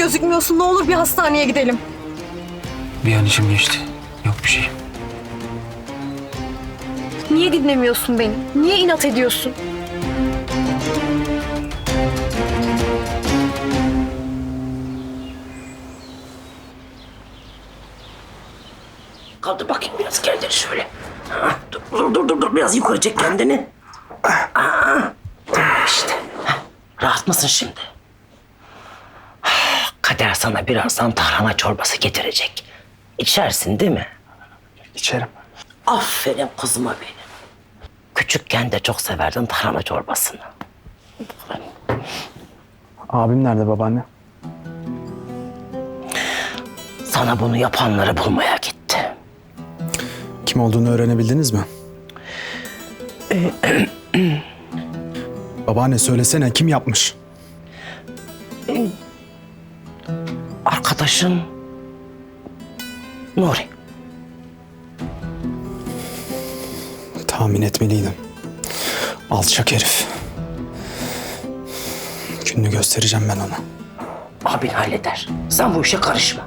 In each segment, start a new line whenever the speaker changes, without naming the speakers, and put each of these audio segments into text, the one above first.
gözükmüyorsun. Ne olur bir hastaneye gidelim.
Bir an içim geçti. Yok bir şey.
Niye dinlemiyorsun beni? Niye inat ediyorsun?
Kaldır bakayım biraz kendini şöyle. Ha, dur biraz yukarı çek kendini. Tamam işte. Ha, rahat mısın şimdi? Kader sana birazdan tarhana çorbası getirecek. İçersin değil mi?
İçerim.
Aferin kızıma benim. Küçükken de çok severdin tarhana çorbasını.
Abim nerede babaanne?
Sana bunu yapanları bulmaya gitti.
Kim olduğunu öğrenebildiniz mi? Babaanne söylesene, kim yapmış?
Arkadaşın Nuri.
Tahmin etmeliydim. Alçak herif. Gününü göstereceğim ben ona.
Abin halleder. Sen bu işe karışma.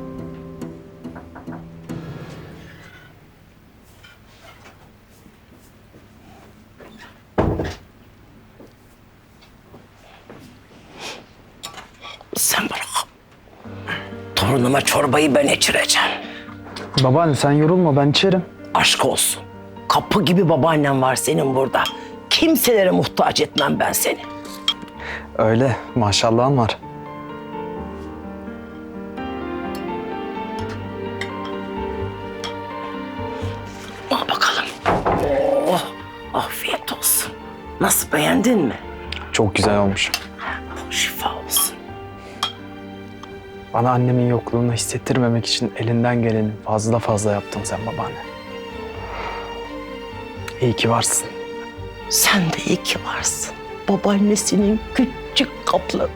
Sen bırak. Torunuma çorbayı ben içireceğim.
Babaanne sen yorulma, ben içerim.
Aşk olsun. Kapı gibi babaannem var senin burada. Kimselere muhtaç etmem ben seni.
Öyle, maşallahın var.
Al bakalım. Oh, afiyet olsun. Nasıl, beğendin mi?
Çok güzel olmuş.
Şifa olsun.
Bana annemin yokluğunu hissettirmemek için elinden geleni fazla yaptın sen babaanne. İyi ki varsın.
Sen de iyi ki varsın. Babaannesinin küçük kaplanı.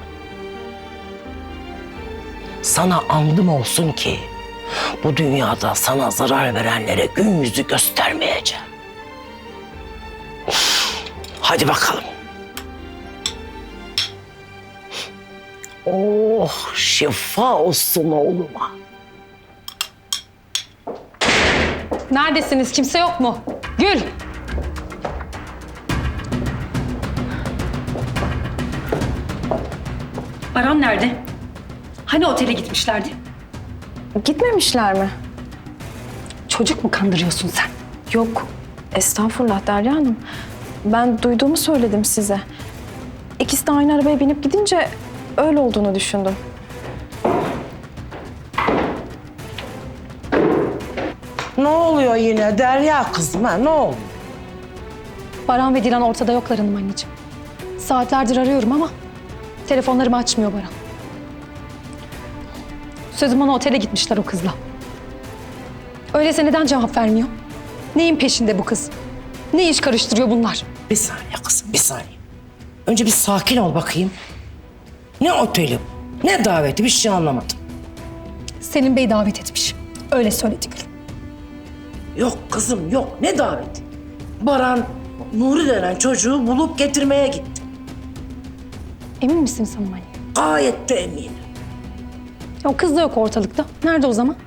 Sana andım olsun ki bu dünyada sana zarar verenlere gün yüzü göstermeyeceğim. Hadi bakalım. Oh, şifa olsun oğluma.
Neredesiniz? Kimse yok mu? Gül! Baran nerede? Hani otele gitmişlerdi?
Gitmemişler mi?
Çocuk mu kandırıyorsun sen?
Yok. Estağfurullah Derya Hanım. Ben duyduğumu söyledim size. İkisi de aynı arabaya binip gidince öyle olduğunu düşündüm.
Ne oluyor yine Derya kızım, ha? Ne oldu?
Baran ve Dilan ortada yoklar hanım anneciğim. Saatlerdir arıyorum ama telefonlarımı açmıyor Baran. Sözüm ona otele gitmişler o kızla. Öyleyse neden cevap vermiyor? Neyin peşinde bu kız? Ne iş karıştırıyor bunlar?
Bir saniye kızım, bir saniye. Önce bir sakin ol bakayım. Ne oteli, ne daveti, bir şey anlamadım.
Selim Bey davet etmiş. Öyle söyledi Gül.
Yok kızım, yok. Ne daveti? Baran, Nuri denen çocuğu bulup getirmeye gitti.
Emin misiniz hanım anne?
Gayet de eminim.
O kız da yok ortalıkta. Nerede o zaman?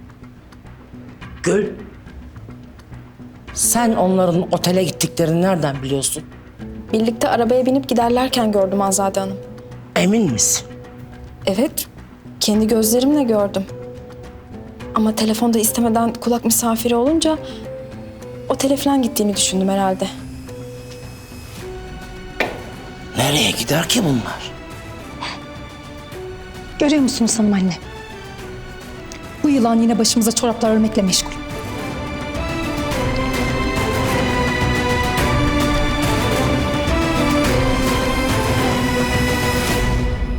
Gül, sen onların otele gittiklerini nereden biliyorsun?
Birlikte arabaya binip giderlerken gördüm Azade Hanım.
Emin misin?
Evet, kendi gözlerimle gördüm. Ama telefonda istemeden kulak misafiri olunca otele falan gittiğini düşündüm herhalde.
Nereye gider ki bunlar?
Görüyor musunuz hanım anne? Bu yılan yine başımıza çoraplar örmekle meşgul.